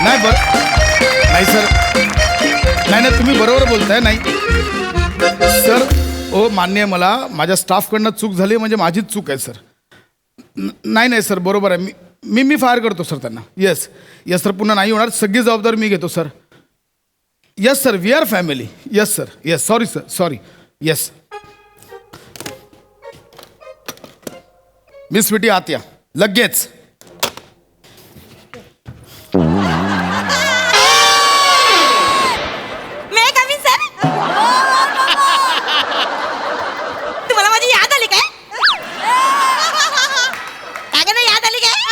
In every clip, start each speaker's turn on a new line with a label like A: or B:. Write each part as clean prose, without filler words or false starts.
A: नाही नाही सर, नाही तुम्ही बरोबर बोलताय. नाही सर, ओ मान्य आहे मला, माझ्या स्टाफकडनं चूक झाली म्हणजे माझीच चूक आहे सर. नाही सर, बरोबर आहे. मी फायर करतो सर त्यांना. येस सर, पुन्हा नाही होणार. सगळी जबाबदारी मी घेतो sir. Yes sir, we are family. Yes sir, yes. Sorry sir, sorry. Yes miss Sweety आत या लगेच.
B: तुम्हाला माझी याद आली काय? काय नाही याद आली काय?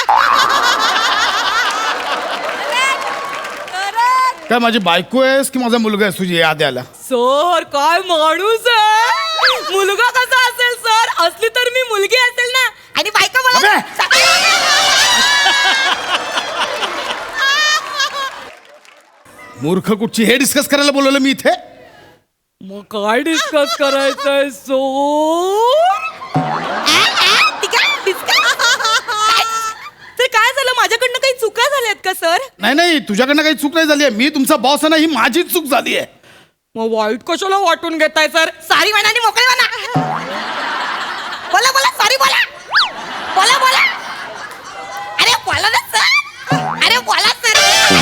A: काय माझी बायको आहेस की माझा मुलगा आहेस तुझी याद यायला?
B: सर काय माणूस आहे. मुलगा कसा असेल सर? असली तर मी मुलगी असेल ना. आणि बायको मला
A: मूर्ख कुठची हे डिस्कस करायला बोलवलं मी इथे?
B: मग काय डिस्कस करायचंय सो? तर काय झालं? माझ्याकडनं काही चुका झाल्यात का सर?
A: नाही तुझ्याकडनं काही चूक नाही झाली आहे. मी तुमचा बॉस आहे ना, ही माझी चूक झाली आहे.
B: मग वाईट कशाला वाटून घेताय सर? सॉरी म्हणा आणि मोकळे म्हणा. बोला बोला, सॉरी बोला. बोला बोला. अरे बोला ना सर. अरे बोला सर.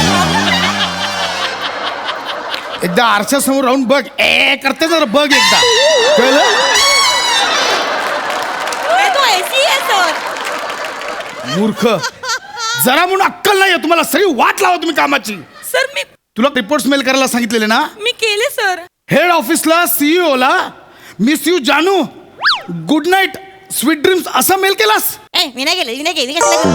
A: एकदा आरशा समोर राहून बघ. करते जरा बघ एकदा. कळलं?
B: तो एसी आहे सर.
A: मूर्ख, जरा म्हणून अक्कल नाही आहे तुम्हाला. सगळी वाट लावा तुम्ही कामाची.
B: सर मी
A: तुला रिपोर्ट्स मेल करायला सांगितलेले ना?
B: मी केले सर.
A: हेड ऑफिसला, सीईओ ला मिस यू जानू, गुड नाईट, स्वीट ड्रीम्स असा मेल केलास?
B: मी नाही केले.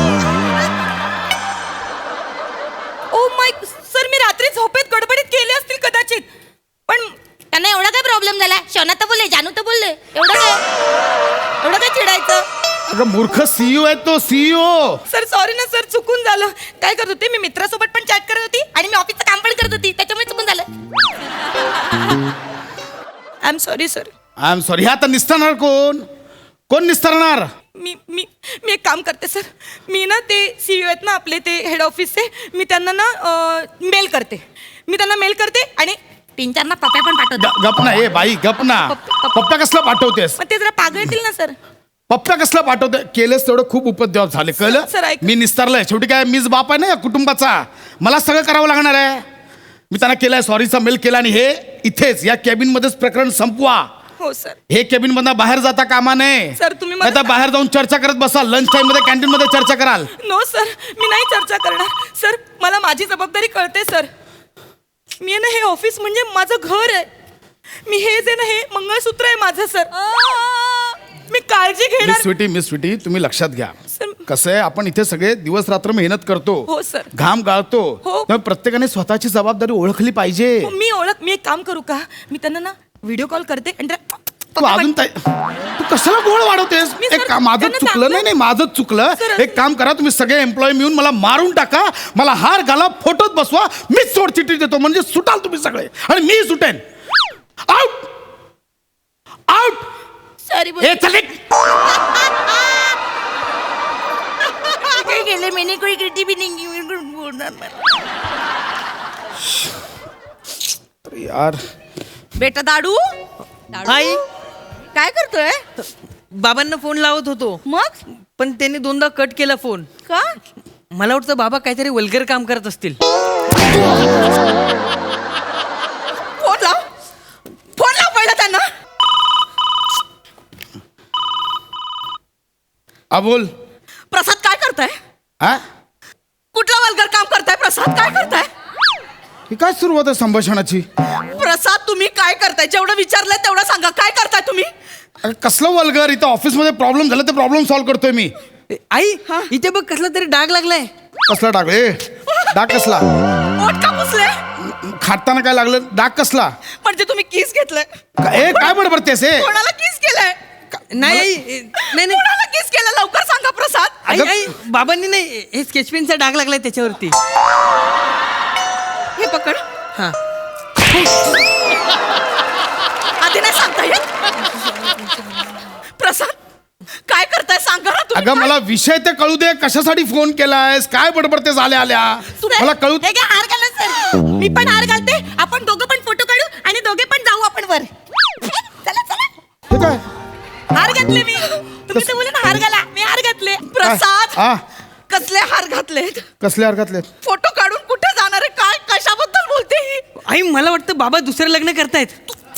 B: ओ माय सर, मी रात्री झोपेत गडबडीत केले असतील कदाचित. पण त्यांना एवढा काय प्रॉब्लेम झाला? शोना तर बोलले, जानू तर बोलले. एवढं काय चिडायचं?
A: अगं मूर्ख, सीईओ आहे तो, सीईओ.
B: सर सॉरी ना सर, चुकून झालं. काय करत होते मी? मित्रासोबत पण चॅट करत होती आणि मी ऑफिसचं काम पण करत होती, त्याच्यामुळे चुकून झालं. I am sorry sir.
A: I am sorry. हे आता निस्तारणार कोण निस्तारणार?
B: मी एक काम करते सर. मी ना ते सीईओ आहेत ना आपले, ते हेड ऑफिसचे, मी त्यांना ना मेल करते. आणि 3-4 ना पप्प्या पण पाठवते.
A: गप ना. ए बाई गप ना. पप्प्या कसला पाठवतेस?
B: मग ते जरा पागळ येतील ना सर.
A: पप्प्या कसला पाठवते? केलेस तेवढं खूप उपद्व्याप झाले.
B: सर,
A: कळलं?
B: ऐक.
A: मी निस्तारलंय. शेवटी काय मीच बाप आहे ना या कुटुंबाचा. मला सगळं करावं लागणार आहे. मी त्यांना केलाय, सॉरीचा मेल केला. आणि हे इथेच या केबिन मध्येच प्रकरण संपवा.
B: हो सर.
A: हे केबिन मधनं बाहेर जाता कामा नये.
B: सर तुम्ही
A: आता बाहेर जाऊन चर्चा करत बसाल. लंच टाइम मध्ये कॅन्टीन मध्ये चर्चा कराल.
B: नो सर, मी नाही चर्चा करणार. सर मला माझी जबाबदारी कळते सर. मी आहे ना, हे ऑफिस म्हणजे माझं घर आहे. मी हे जे ना, हे मंगळसूत्र आहे माझं सर. मी काळजी घेणार.
A: मिस स्वीटी तुम्ही लक्षात घ्या.
B: सर.
A: कसं आहे, आपण इथे सगळे दिवस रात्र मेहनत करतो.
B: हो सर.
A: घाम गाळतो.
B: हो.
A: त्यामुळे प्रत्येकाने स्वतःची जबाबदारी ओळखली पाहिजे.
B: मी एक काम करू का? मी त्यांना ना व्हिडिओ कॉल करते आणि
A: तू अजून तू कशाला गोळ वाढवतेस?
B: मी सर,
A: माझं
B: त्यांना
A: चुकलं.
B: सांगते.
A: नाही माझंच चुकलं.
B: सर,
A: एक काम करा, तुम्ही सगळे एम्प्लॉई मिळून मला मारून टाका. मला हार घाला, फोटोत बसवा. मीच सोडचिठ्ठी देतो म्हणजे सुटाल तुम्ही सगळे आणि मी सुटेन. Out out.
B: सॉरी
A: हे चले.
B: काय केलं मी? कोणी किती बी नाही बोलणार मला.
A: यार
B: बेटा दाडू
C: आई,
B: काय करतोय?
C: बाबांना फोन लावत होतो,
B: मग
C: पण त्यांनी 2दा कट केला फोन.
B: का?
C: मला वाटतं बाबा काहीतरी वल्गर काम करत असतील.
B: फोन लाव पहिला त्यांना.
A: बोल.
B: प्रसाद काय करताय?
A: हा,
B: कुठला वल्गर काम करताय प्रसाद? काय करताय?
A: ही काय सुरुवात आहे संभाषणाची?
B: प्रसाद तुम्ही काय करताय? जेवढं विचारलंय तेवढं सांगा. काय करताय तुम्ही?
A: अरे कसलं वल्गर? इथं ऑफिसमध्ये प्रॉब्लेम झाला, ते प्रॉब्लेम सॉल्व्ह करतोय मी.
C: आई, इथे बघ कसला तरी डाग लागलाय.
A: कसला डाग? डाग कसला?
B: ओठ का पुसले?
A: खाताना काय लागलं? डाग कसला?
B: म्हणजे तुम्ही किस घेतलंय?
A: काय बडबडतेस?
B: कोणाला किस केलंय?
C: नाही आई, नाही नाही
B: कोणाला किस केलं? लवकर सांगा प्रसाद.
C: आई, आई, बाबांनी नाही, हे स्केचपेनचा डाग लागलाय त्याच्यावरती.
B: हे पकड.
C: हा,
B: आधी नाही सांगता येत. प्रसाद काय करताय सांगा ना तुम्ही.
A: अगं मला विषय ते कळू दे, कशासाठी फोन केलायस, काय बडबडतेस आल्या आल्या मला कळू.
B: हे घ्या, हार घाला सर. मी पण हार घालते, आपण दोघं पण फोटो काढू आणि दोघे पण जाऊ आपण वर. चला चला.
A: हे काय
B: हार घातले मी. तुम्ही तर बोले ना हार घाला, मी हार घातले. प्रसाद
A: हा
B: कसले हार घातलेत?
A: कसले हरकतले?
B: फोटो काढून कुठे जाणार आहे? काय कशाबद्दल बोलते ही?
C: आई मला वाटतं बाबा दुसरं लग्न करतायत.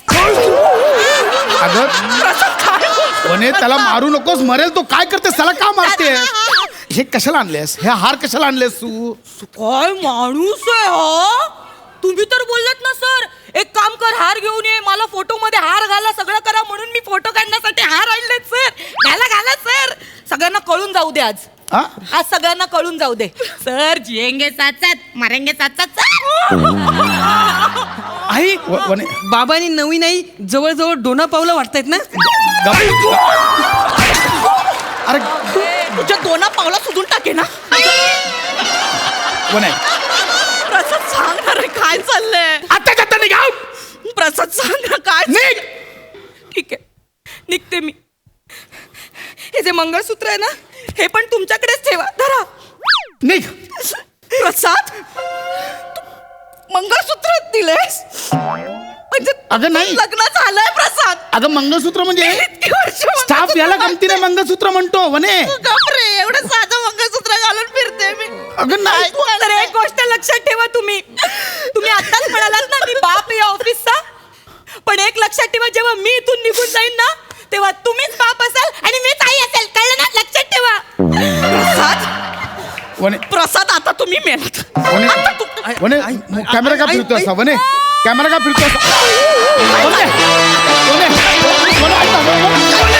A: अगं
B: प्रसाद काय बोलतो?
A: वने त्याला मारू नकोस, मरेल तो. काय करतेस त्याला, का मारतेस? हे कशाला आणलेस, हे हार कशाला आणलेस तू?
B: काय माणूस आहे हो? तुम्ही तर बोललात ना सर, एक काम कर, हार घेऊन ये, मला फोटो मध्ये हार घाला, सगळं करा, म्हणून मी फोटो काढण्यासाठी हार आणलेत सर. घाला घाला सर, सगळ्यांना कळून जाऊ दे आज.
A: हा?
B: आज सगळ्यांना कळून जाऊ दे. सर जिएंगे साथ साथ, मरेंगे साथ साथ.
C: आई
A: वने
C: बाबांनी नवीन आई जवळजवळ डोना पावलं वाटतायत ना.
A: अरे
B: तुझ्या दोना पावला सुधून टाके ना.
A: वने
B: प्रसाद सांग ना रे, काय चाललंय?
A: आता जाता निघा.
B: प्रसाद सांग ना काय.
A: निघ.
B: ठीक आहे, निघते मी. हे जे मंगळसूत्र आहे ना, हे पण तुमच्याकडेच ठेवा, धरा.
A: निघ.
B: प्रसाद, मंगळसूत्र दिलेस म्हणजे
A: अगं नाही.
B: लग्न झालंय प्रसाद.
A: अगं मंगळसूत्र म्हणजे
B: इतकी वर्ष
A: स्टाफ याला गमतीने मंगळसूत्र म्हणतो वने.
B: गपरे, एवढं साधं मंगळसूत्र घालून फिरते मी.
A: अगं नाही.
B: तर एक गोष्ट लक्षात ठेवा, तुम्ही आताच म्हणालात ना मी बाप या ऑफिसचा, पण एक लक्षात ठेवा, जेव्हा मी इथून निघून जाईन ना, तेव्हा तुम्हीच बाप असाल आणि मीच आई असेल, कळलं ना? लक्षात ठेवा.
A: वने
B: प्रसाद आता तुम्ही मेलात.
A: वने कॅमेरा का फिरतो असा? वने कॅमेरा का फिरतो असा? वने, वने, वने, वने,